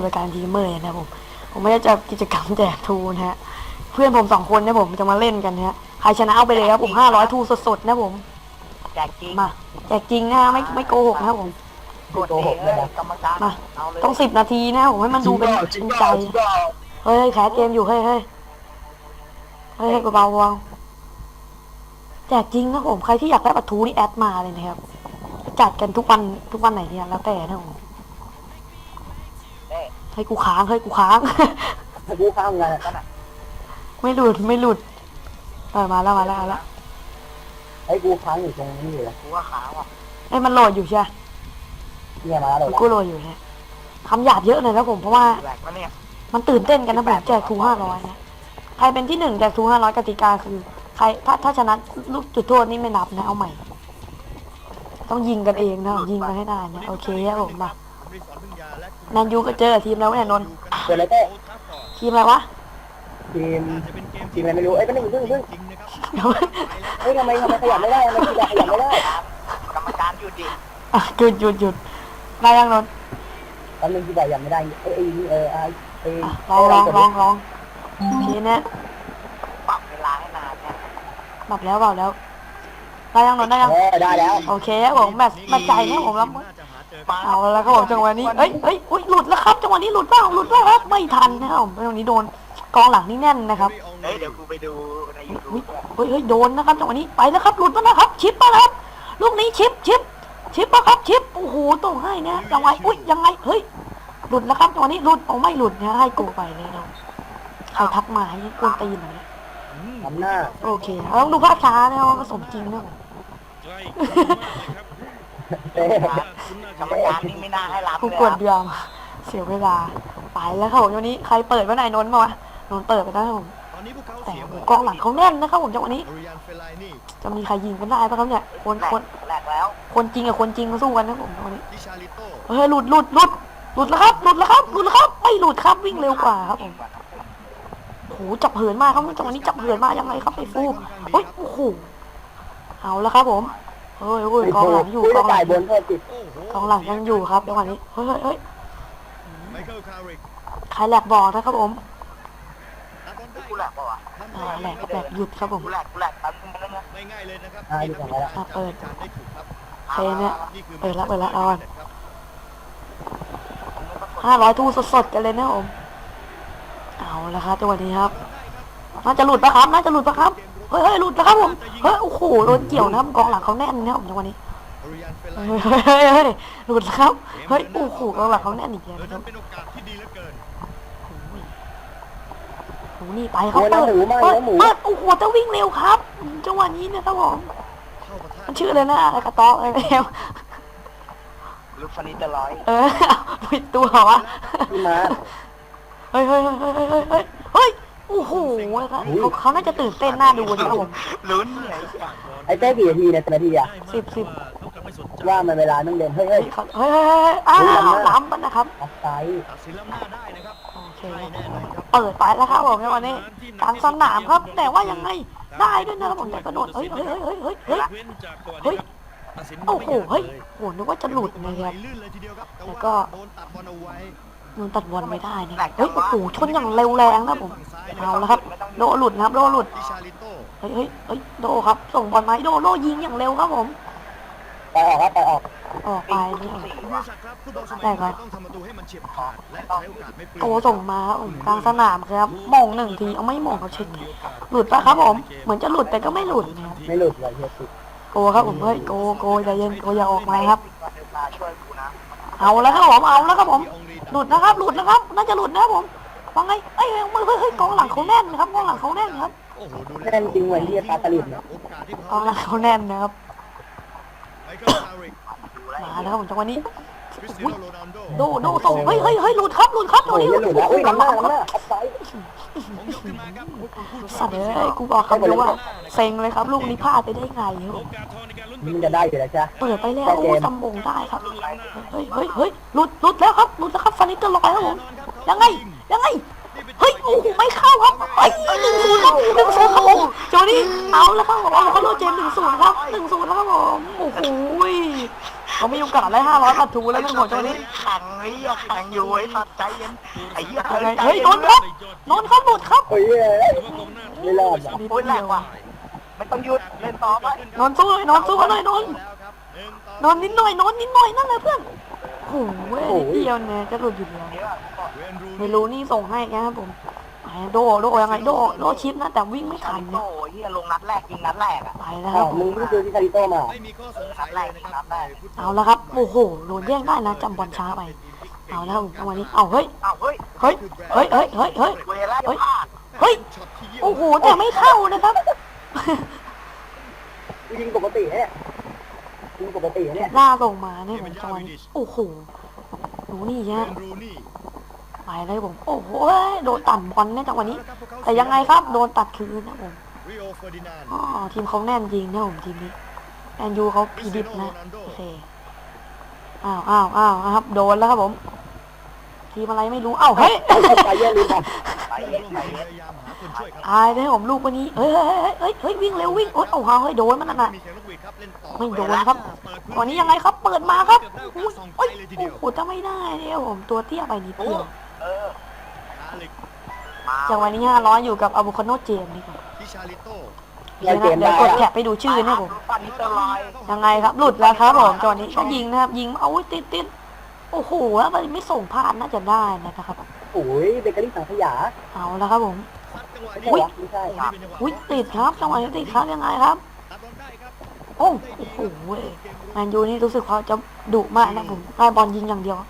ายการทีมเมอร์นะครับผมไม่ได้จะกิจกรรมแจกทูนะฮะเพื่อนผม2 คนนะผมจะมาเล่นกันนะฮะใครชนะเอาไปเลยครับผม500ทูสดๆนะผมแจกจริงมาแจกจริงนะไม่โกหกนะครับผมกดโกหกเลยกรรมการมาต้อง10 นาทีนะผมให้มันดูเป็นจริงใจเฮ้ยแคสเกมอยู่เฮ้ยเบาๆแจกจริงนะผมใครที่อยากได้ปะทูนี่แอดมาเลยนะครับจัดกันทุกวันไหนเนี่ยแล้วแต่นะผมให้กูค้างให้กูค้างไงกันอ่ะไม่หลุดมาแล้วให้กูค้างอยู่ตรงนี้เลยกูว่าค้างว่ะมันโหลดอยู่ใช่เนี่ยมาแล้วกูโหลดอยู่เนี่ยคำหยาบเยอะเลยนะผมเพราะว่ามันตื่นเต้นกันนะผมแจกทู500นะใครเป็นที่1แจกทู500กติกาคือใครถ้าชนะลูกจุดโทษนี่ไม่นับนะเอาใหม่ต้องยิงกันเองนะยิงกันให้ได้นะโอเคครับผมมานันยูก็เจอทีมแล้วเนี่ยนนท์เจออะไรเต้ทีมอะไรวะทีมอะไรไม่รู้เพิ่งทำไมขยับไม่ได้ทำไมขยับไม่ได้กรรมการหยุดดิหยุดได้ยังนนท์ตอนนึงที่แบบยังไม่ได้ลองทีนี้ปรับเวลาให้นานเนี่ยปรับแล้วได้ยังนนท์ได้ยังได้แล้วโอเคครับผมแมตช์ใจเนี่ยผมรับเอาแล้วครับผมจังหวะนี้อุ้ยหลุดแล้วครับจังหวะนี้หลุดเปล่าครับไม่ทันนะครับผมจังหวะนี้โดนกองหลังนี่แน่นนะครับเดี๋ยวกูไปดูใน YouTube โดนนะครับจังหวะนี้ไปแล้วครับหลุดแล้วนะครับชิปมาครับลูกนี้ชิปป่ะครับชิปโอ้โหต้องให้นะจังหวะอุ้ยยังไงเฮ้ยหลุดแล้วครับจังหวะนี้หลุดไม่หลุดนะให้โกไปเลยเราใครทักมาให้กวนตีนหน่อยทำหน้าโอเคต้องดูภาพช้านะครับว่าสมจริงนะกรรมการนี่ไม่น่าให้รับกูกดยอมเสียเวลาไปแล้วครับผมวันนี้ใครเปิดไว้ไหนนนท์มาวะนนท์เปิดไปได้ผมแต่กองหลังเขาแน่นนะครับผมจังหวะนี้จะมีใครยิงกันได้ป่ะครับเนี่ยคนจริงกับคนจริงมาสู้กันนะผมวันนี้หลุดแล้วครับไม่หลุดครับวิ่งเร็วกว่าครับผมโอ้โหจับเหินมากครับจังหวะนี้จับเหินมากยังไงครับไอ้ฟูโอ้โหเอาแล้วครับผมกองหลังอยู่กองหลังยังอยู่ครับจังหวะนี้เฮ้ยใครแหลกบอกนะครับผมกูแหลกป่ะวะแหลกหยุดครับผมกูแหลกแป๊บนึงนะง่ายเลยนะครับเปิดเพลงเนี่ยเปิดแล้วเอา500ทูสดๆกันเลยนะผมเอาละครับจังหวะนี้ครับน่าจะหลุดปะครับเฮ้ยหลุดแล้วครับผมโอ้โหโดนเกี่ยวนะครับกองหลังเขาแน่นนะครับจังหวะนี้หลุดแล้วครับโอ้โหกองหลังเขาแน่นอีกแล้วครับโอ้นี่ไปเขาเปิดโอ้โหจะวิ่งเร็วครับจังหวะนี้นะครับผมมันชื่อเลยนะอะไรกระต๊อกอะไรแล้วลูกฟันนี้จะร้อยปิดตัววะเฮ้ยโอ้โหเขาน่าจะตื่นเต้นน่าดูนะครับผมลุ้นไอ้เต้กี่นาทีเนี่ยนาทีอ่ะ 10 ว่ามันเวลาต้องเล่นเฮ้ยล้ำมันนะครับโอเคเปิดไปแล้วครับผมในวันนี้กลางสนามครับแต่ว่ายังไงได้ด้วยนะครับผมแต่กระโดดเฮ้ยโอ้โหนึกว่าจะหลุดนะครับแล้วก็มันตัดบอลไม่ได้นะโอ้โหชนอย่างเร็วแรงนะผมเอาแล้วครับโดหลุดครับโดหลุดโดครับส่งบอลมาโดยิงอย่างเร็วครับผมไปออกไปนี่แต่ครับโอ้ส่งมากลางสนามครับมอง1 ทีเอาไม่มองเขาเช็คหลุดปะครับผมเหมือนจะหลุดแต่ก็ไม่หลุดนะครับไม่หลุดเลยโกครับผมโกใจเย็นโกอย่าออกมาครับเอาแล้วครับผมหลุดนะครับน่าจะหลุดนะผมว่าไงกองหลังเขาแน่นครับแน่นจริงเหมือนที่ปลาตะลิดนะกองหลังเขาแน่นนะครับมาแล้วครับผมจังหวะนี้โดส่งเฮ้ยหลุดครับตัวนี้หลุดแล้วหลังหน้าสัตว์เลยกูบอกคำเดียวว่าเซ็งเลยครับลูกนี้พลาดไปได้ไงมันจะได้อยู่แล้วจ้ะเปิดไปแล้วจำบงได้ครับเฮ้ยหลุดแล้วครับฟันนิเตอร์ลอยครับผมยังไงโอ้โหไม่เข้าครับ1-0ครับผมโจนี่เอาแล้วครับผมเขาโดนเจน1-0ครับ1-0แล้วครับผมโอ้โหเขามีโอกาสได้500ประตูแล้วนะผมจังหวะนี้แข่งไอ้เหี้ยแข่งอยู่ไอ้สัตว์ใจเย็นไอ้เหี้ยยังไงเฮ้ยนนท์ครับนนท์ครับหลุดครับโอ้ยไม่รอดอ่ะนิดโอ้ยแรเดีงยวว่ะไม่ต้องหยุดเล่นต่อไปนนท์สู้เลยนนท์สู้กันหน่อยนนท์นนท์นิดหน่อยนนท์นิดหน่อยนั่นแหละเพื่อนโอ้โหนิดเดียวเนี่ยจะหลุดอยู่แล้วไม่รู้นี่ส่งให้แกครับผมโดยังไงโดชิปนะแต่วิ่งไม่ทันโอ้เนี่ยยเหี้ยลงนัดแรกยิงนัดแรกอ่ะไปแล้วคอ้ารัวบมึงไม่เจอที่คาริโต้มานัดแรกยิงนัดแรกเอาแล้วครับโอ้โหโดนแย่งได้นะจำบอลช้าไปเอาแล้วจังหวะนี้เอาเฮ้ยอ้าวเฮ้ยเฮ้ยเฮ้ยเฮ้ยเฮ้ยเฮ้ยเวลาจะพลาดเฮ้ยโอ้โหแต่ไม่เข้านะครับยิงปกติเนี่ยยิงปกติเนี่ยล่าส่งมาเนี่ยผมจังหวะนี้โอ้โหหนูนี่ฮะไปเลยผมโอ้โหโดนตัดบอลเนี่ยจังหวะนี้ แต่ยังไงครับโดนตัดคืนนะผมอ๋อทีมเขาแน่นจริงนะผมทีมนี้แอนยูเขาพีดิบนะโอเคอ้าวครับโดนแล้วครับผมทีมอะไรไม่รู้เฮ้ยไปเยอะลืมอ่ะไปเย็นไปเย็นอายเลยผมลูกวันนี้เฮ้ยวิ่งเร็ววิ่งโอ้ยเอาเฮ้ยโดนมันน่ะไม่โดนครับวันนี้ยังไงครับเปิดมาครับอุ้ยโอ้โหจะไม่ได้เนี่ยผมตัวเตี้ยไปนิดเดียวเออจังหวะนี้500อยู่กับอะโวคาโนเจมส์ดีกว่าเล่นเกมเดี๋ยวได้กดอะแคปไปดูชื่อนะผมปันนิสเตอร์ไลน์ยังไงครับหลุดแล้วครับผมจังหวะนี้ก็ยิงนะครับยิงเอาติดโอ้โหแล้วมันไม่ส่งผ่านน่าจะได้นะครับโอ้ยเบเกอรี่สังขยาเอาแล้วครับผมไม่ใช่วะไม่ใช่อุ้ยติดครับจังหวะนี้ติดครับยังไงครับโอ้โหแมนยูนี่รู้สึกเขาจะดุมากนะผมได้บอลยิงอย่างเดียว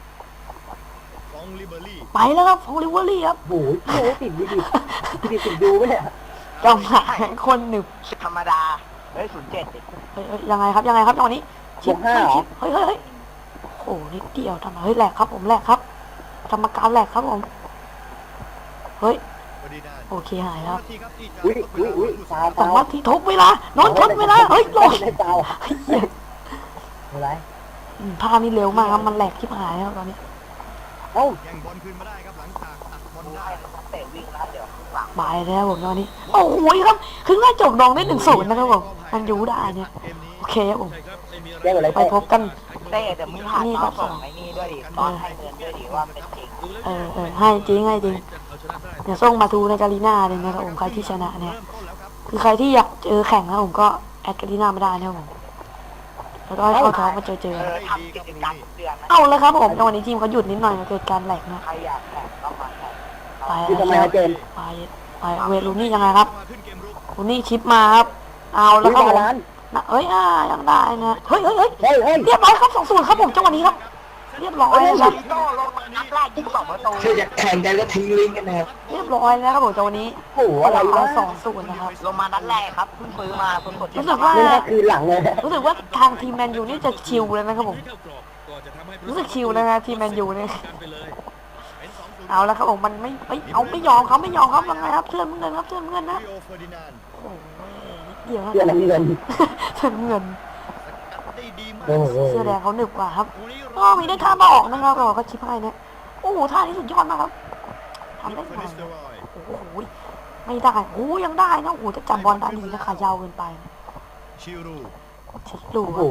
ไปแล้วครับของลิเวอรี่ครับโอ้ยโอ้ยติดติดดูไหมเนี่ยจังหวะคนหนึบธรรมดาเฮ้ย07ดิเฮ้ยยังไงครับจังหวะนี้ชิปเฮ้ยโอ้โหนิดเดียวทำไมเฮ้ยแหลกครับผมแหลกครับกรรมการแหลกครับผมเฮ้ยโอเคหายแล้วอุ้ยฟาวสองนาทีทบเวลานอนทบเวลาเฮ้ยลงได้ฟาวอะไรภาพนี้เร็วมากครับมันแหลกที่หายแล้วตอนนี้เอ้าดูให้นักเตะวิ่งนะเดี๋ยวหลังบายแล้วผมตอนนี้โอ้โหครับครึ่งแรกจบดองได้1-0นะครับผมมันยูได้เนี่ยโอเคครับผมแก้อะไรไปพบกันเต้เดี๋ยวมึงถ่ายตอนส่งไอ้นี่ด้วยดิตอนให้เงินด้วยดิว่าเป็นจริงให้จริงเดี๋ยวส่งมาทูในกาลีนาเลยนะครับผมใครที่ชนะเนี่ยคือใครที่อยากเจอแข่งนะผมก็แอดกาลีนาไม่ได้นะครับผมแล้วก็ให้เข้าท้องมาเจอทำกิจกรรมเดือนนะเอาเลยครับผมจังหวะนี้ทีมเขาหยุดนิดหน่อยเกิดการแหลกนะใครอยากแข่งก็มาแข่งไปคือทำไมแล้วฮะเจนไปเวลูนี่ยังไงครับลูนี่ชิปมาครับเอาแล้วครับผมร้านยังได้นะเฮ้ยเฮ้ยเรียบร้อยครับ2-0ครับผมจังหวะนี้ครับเรียบร้อยครับโต้ลงนัดแรกยิง2 ประตูคืออยากแข่งกันก็ทิ้งลิงก์กันนะครับเรียบร้อยแล้วครับผมจังหวะนี้โอ้โหอะไรวะ 2-0นะครับลงมานัดแรกครับเพิ่งซื้อมาสดๆรู้สึกว่านี่แค่คือหลังเลยรู้สึกว่าทางทีมแมนยูนี่จะชิลเลยนะครับผมรู้สึกชิลเลยนะทีมแมนยูเนี่ยเอาแล้วครับผมมันไม่ยอมครับยังไงครับเสื้อเงินครับเสื้อเงินนะโอ้ยเดี๋ยวเสื้อน้ำเงินเสื้อเงินโอ้โหเสื้อแดงเขาหนึบกว่าครับก็มีได้ท่ามาออกนะครับเราก็ชิปให้นะโอ้โหท่านี้สุดยอดมากครับทำได้ไงโอ้โหไม่ได้โอ้ยังได้นะโอ้โหจะจับบอลได้ดีนะขายาวเกินไปชิลูโอ้โห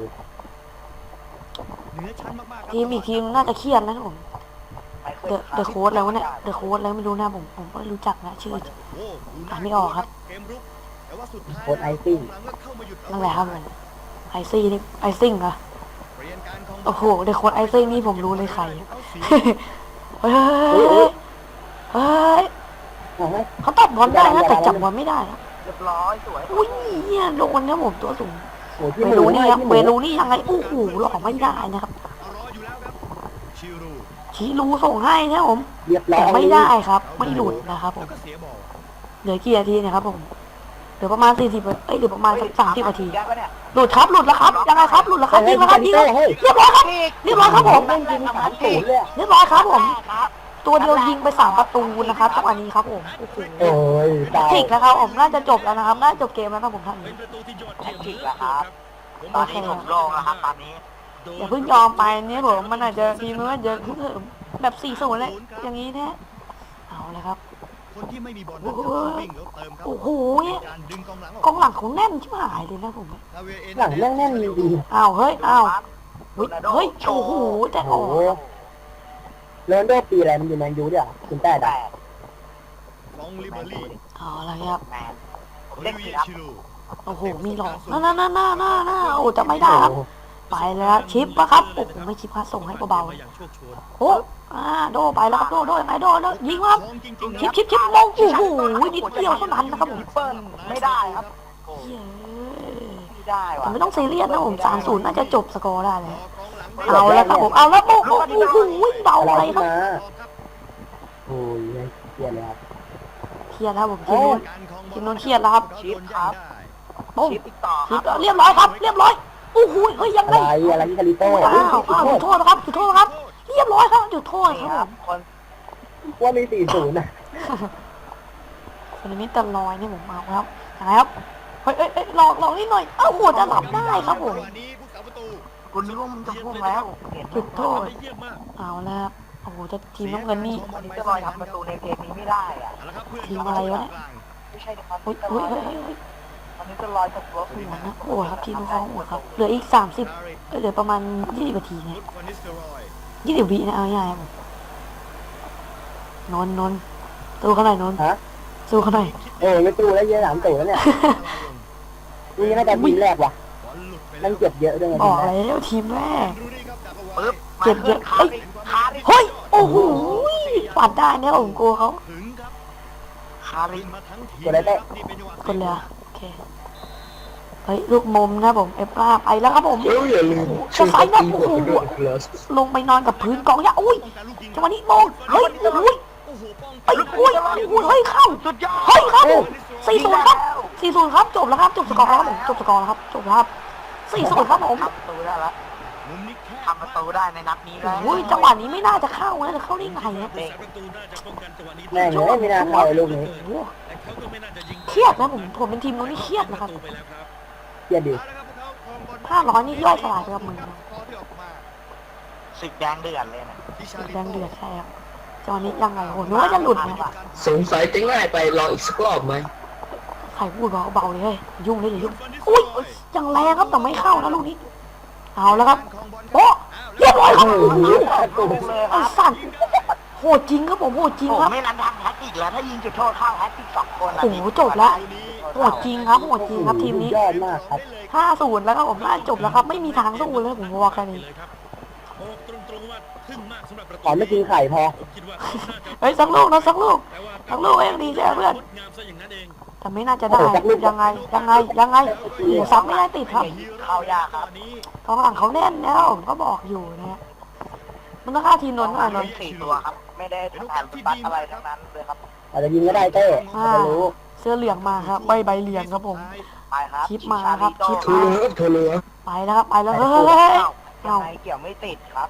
ทีมอีกทีมน่าจะเครียดนะครับผมเดอะโค้ดแล้วเนี่ยเดอะโค้ดแล้วไม่รู้นะผมก็รู้จักนะชื่ออ่านไม่ออกครับโคตรไอซิ่งนั่นแหละครับผมไอซิ่งเหรอโอ้โหเดอะโค้ดไอซิ่งนี่ผมรู้เลยใครเฮ้ยเขาตัดบอลได้นะแต่จับบอลไม่ได้นะเรียบร้อยสวยอุ้ยเนี่ยโดนนะผมตัวสูงโอ้ที่เวมืลูอนี่นี่ครับเวลูนี่ยังไงโอ้โหหลอกไม่ได้นะครับชีรูส่งให้นะผมเรียบร้อแต่ยไม่ได้ครับไม่หลุดนะครับผมเหลือกี่นาทีนะครับผมเหลือประมาณ40เหลือประมาณสัก30นาทีได้ปะเนี่ยหลุดแล้วครับยังไงครับหลุดแล้วครับยิงแล้วครับยิงแล้วเรียบร้อยครับเรียบร้อยครับผมแม่งยิง3-0เลยเรียบร้อยครับผมครับตัวเดียวยิงไป3ประตูนะครับจังหวะนี้ครับผมโอ้โหโอ้ยตายถิกนะครับผมน่าจะจบแล้วนะครับน่าจะจบเกมแล้วนะผมท่านนี้แท็กติกแล้วครับตอนนี้ผมลงแล้วครับตอนนี้อย่าเพิ่งยอมไปเนี่ยผมมันอาจจะทีมมันเยอะขึ้นแบบ4-0เลยอย่างนี้แท้เอาเลยครับคนที่ไม่มีบอลโอ้โหวิ่งแล้วเติมครับโอ้โหการดึงกองหลังออกกองหลังเขาแน่นชิบหายเลยนะผมลาเวเอ็หลังแน่นๆดีอ้าวเฮ้ยอ้าวเฮ้ยเฮ้ยโอ้โหแต่อโอ้อกโหโรนลโดปีอะไรมันอยู่แมนยูด้วยอ่ะคุณแต่แต่ฟองลิเบอรี่เอาอะไรครับแมนโอเล่ลินเวีผิยดครับชิลูโอ้โหมีหลอกน่าโอ้จะไม่ได้ครับไปแล้วชิปปะครับโอ้โหไม่ชิปครับส่งให้เบาๆอย่างโชคโชนโอ้โดไปแล้วครับโดยังไงโดยิงครับฟองจริงๆชิปมองโอ้โหนิดเดียวเท่านั้นนะครับผมเปิ้ลไม่ได้ครับโอ้เย้ไม่ได้แต่ว่ะไม่ต้องซีเรียสนะผม3-0น่าจะจบสกอร์ได้เลยกองหลังเอาแล้วครับผมเอาแล้วโอ้โหเบาอะไรอะไรคขึ้รับนมาครับโอ้ยเกลียดเลยครับเครียดครับผมทีโอ้นู้นการครองบอลทีนู้นเครียดแล้วครับชิปครับปุ้งชิปอีกต่อคชิรัปบเรียบร้อยครับเรียบร้อยโอ้โหเฮ้ยยังอะไงไรที่คาริโต้อ้าวจุดโทษครับจุดโทษครับเรียบร้อยครับจุดโทษนี่ครับคผรับมคนว่ามี40นะคนนี้ตะลอยนี่ผมเอาครับนะครับเฮ้ยหลอกนิดหน่อยเอ้าหัวจะหลับได้ครับผมจังหวะนี้ผู้สาประตูคุณนึกว่ามันจะพุ่งแล้วเห็นจุดโทษเยี่ยมมากเอาแล้วครับโอ้โหจะทีมน้ำเงินนี่วันนี้จะลอยทำประตูในเกมนี้ไม่ได้อ่ะเอาละครับเพื่อนทีมอะไรวะเนี่ยไม่ใช่นะครับเฮ้ยจะลเฮ้อย ยเฮ้ยเฮ้ยวันนี้จะลอยจากรถหัวนะโอ้ครับทีมเขาหัวครับเหลืออีก30เหลือประมาณ20นาทีเนี่ยฟุตฟานิสเตอรอย 20วินะเอาง่ายๆครับผมนนสู้เขาหน่อยนนฮะสู้เขาหน่อยโอ้ไม่ตู้แล้วเยอะ3 แล้วเนี่ยนี่น่าจะทีมแรกว่ะบอลหลุดไปนั่งเก็บเยอะด้วยบทีอมกแรกแล้วทีมแรกรูนี่ครับจากเอาไว้ปึ๊บเจ็บเยอะขาดิขาดิเฮ้ยโอ้โหปัดได้เนี่ยผมกลัวเขาถึงครับขาดิขึ้นมาทั้งทีกดอะไรเต้นี่เป็นจังหวะคนเลยอะโอเคเฮ้ยลูกมุมนะผมเอฟล่าไปแล้วครับผมเดี๋ยวอย่าลืมช่วยกดตีหัวกันด้วยนะครับลงไปนอนกับพื้นกองยาอุ้ยป้องกันลูกยิงจังหวะนี้มองเฮ้ยโอ้ยโอ้โหป้องไอ้อุ้ยเฮ้ยเข้าสุดยอดเฮ้ยครับ 4-0 ครับ4-0ครับจบแล้วครับจบสกอร์แล้วครับผมจบสกอร์แล้วครับจบแล้วครับ4-0ครับผมทำประตูได้แล้วมุมนี้แค่ทำประตูได้ในนัดนี้แล้วโอ้ยจังหวะนี้ไม่น่าจะเข้านะจะเข้าได้ไงเนี่ยผู้สาประตูน่าจะป้องกันจังหวะนี้แม่งเลยไม่น่าเข้าเลยลูกนี้โอ้โหแต่เขาก็ไม่น่าจะยิงเครียดนะผมเป็นทีมนู้นนี่เครียดนะครับปแล้วครับเกลียดดิเอาละครับพวกเขาครองบอล 500นี่ย่อยสลายไปกับมือนะพอที่ออกมาศึกแดงเดือดเลยนะที่ชาลิแดงเดือดใช่ครับจังหวะนี้ยังไงโอ้โหนึกว่าจะหลุดนะสงสัยจะง่ายไปลองอีกสักรอบไหมใครพูดเบาๆเลยเฮ้ยยุ่งเลยเดี๋ยวยุ่งอุ้ยยังแรงครับแต่ไม่เข้านะลูกนี้เอาแล้วครับโอ้เรียบร้อยครับตุ้มเลยคไอ้รับสัตว์โหดจริงครับผมโหดจริงผมครับไม่รันทันแฮตติกแล้วถ้ายิงจุดโทษเข้าแฮตติก2 คนอะโอ้โหจบแล้ว โหดจริงครับโหดจริงครับทีมนี้ยอดมากครับ 5-0แล้วครับผมน่าจบแล้วครับไม่มีทางสู้เลยผมบอกแค่นี้เลยครับโอ้ตรงๆว่าทึ่งมากสำหรับประตูขอไม่กินไข่พอผมคิดว่าเขาน่าจะเฮ้ยสักลูกนะสักลูกแต่ว่าสักลูกเองดีใช่ไหมเพื่อนงดงามซะอย่างนั้นเองแต่ไม่น่าจะได้ยังไงโอ้โหซับไม่ได้ติดครับเข้ายากครับกองหลังเขาแน่นแล้วผมก็บอกอยู่นะฮะมันต้องฆ่าทีมนนท์หน่อยนนท์ 4 ตัวครับ ไม่ได้ทำงานบัตอะไรทั้งนั้นเลยครับอาจจะยิงก็ได้เต้จะรู้เสื้อเหลืองมาครับใบเหลืองครับผมไปครับชิปมาครับชิปโทรเลยครับโทรเลยครับไปแล้วครับไปแล้วเฮ้ยยังไงเกี่ยวไม่ติดครับ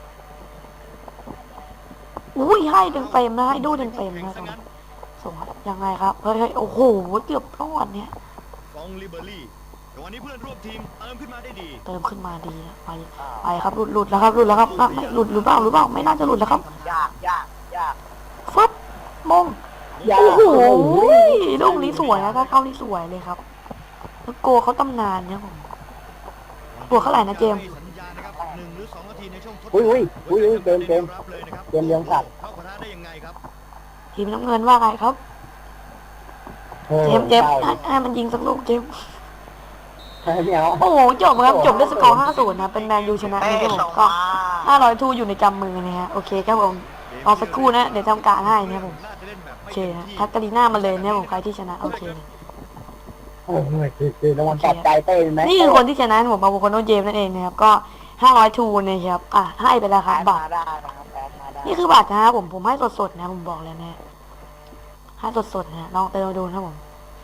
อุ้ยให้เต็มๆนะให้ดูเต็มๆนะส่งครับยังไงครับเฮ้ยโอ้โหเกือบรอดเนี่ยฟองลิเบอรี่แต่วันนี้เพื่อนร่วมทีมเติมขึ้นมาได้ดีเติมขึ้นมาดีนะไปครับหลุดแล้วครับไม่หลุดหรือเปล่าไม่น่าจะหลุดแล้วครับยากฟึบมงยาโอ้โหโอ้โหลูกนี้สวยนะถ้าเข้านี่สวยเลยครับแล้วโกเขาตำนานเนี่ยผม บวกเท่าไหร่นะเจมส์สัญญาณนะครับ1 หรือ 2 นาทีในช่วงทดอุ้ยเกมรับเลยนะครับเกมเลี้ยงสัตว์เข้าปะทะได้ยังไงครับทีมน้ำเงินว่าไงครับโอ้เจมส์ใช่ให้มันยิงสักลูกเจมส์ไม่เอาโอ้โหจบครับจบด้วยสกอร์ 5-0 นะเป็นแมนยูชนะเต้นี่ครับผส่มงก็มา 500ทูอยู่ในกำมือนะฮะโอเคครับผมรอสักครู่นะเดี๋ยวทำการให้นะครับผมน่าจะเล่นแบบโอไม่เคต็มนะที่ทักกาลีน่ามาเลยเนี่ยผมใครที่ชนะโอเคนะโอ้ยคือรางวัลปลอบใจเต้ไหมนี่คือคนที่ชนะผมมาบุคคลโนเจมส์นั่นเองนะครับก็500ทูนะครับให้ไปแล้วครับแพ้บัตมาร ได้นะครับแพ้มาได้นี่คือบัตรนะครับผมให้สดๆนะผมบอกเลยนะให้สดๆนะลองเติมดูนะครับผม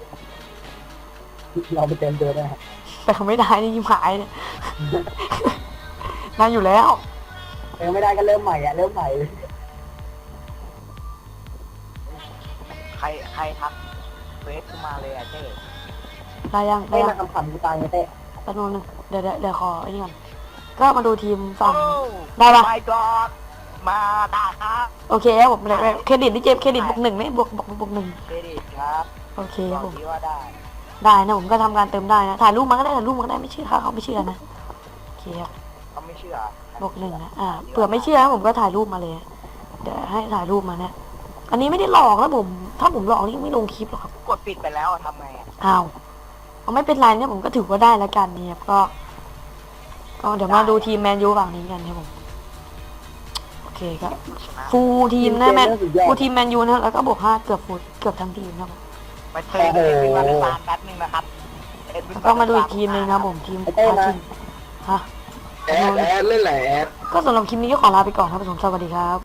เราไปเต็มเดือนนะครับแต่เขาไม่ได้นี่ยิ้มหายเนี่ย ได้อยู่แล้วเติมไม่ได้ก็เริ่มใหม่เริ่มใหม่ใครทักเฟซขึ้นมาเลยอะเต้ได้ยังเต้มาคำกูตายไงเต้แป๊บนึงเดี๋ยวขอไอ้นี่ก่อนก็มาดูทีมฝั่งโอ้ได้ปะไม่กอดมาได้ครับโอเคครับผมเครดิตที่เจมส์เครดิตบวก 1ไหมบวก1 เครดิตครับโอเคบคอรับกผมดีว่าได้ได้นะผมก็ทำการเติมได้นะถ่ายรูปมาก็ได้ไม่เชื่อเขาไม่เชื่อนะโอเคครับเขาไม่เชื่อบอกหนึ่งนะเผื่อไม่เชื่อนะผมก็ถ่ายรูปมาเลย เดี๋ยวให้ถ่ายรูปมาเนี่ยอันนี้ไม่ได้หลอกนะผมถ้าผมหลอกนี่ไม่ลงคลิปหรอกครับกดปิดไปแล้วทำไงอ้าวเอาไม่เป็นไรเนี่ยผมก็ถือว่าได้แล้วกันเนี่ยก็เดี๋ยวมาดูทีมแมนยูฝั่งนี้กันครับผมโอเคครับฟูลทีมนะฟูลทีมแมนยูนะแล้วก็บวก5เกือบทั้งทีมครับผมไปเติมเอ็ดวินวาเลนตานแป๊บนึงนะครับก็มาดูอีกทีมหนึงนะครับผมทีมพาทีมฮะแอดเล่นแหละแอดก็สำหรับคลิปนี้ก็ขอลาไปก่อนครับผมสวัสดีครับ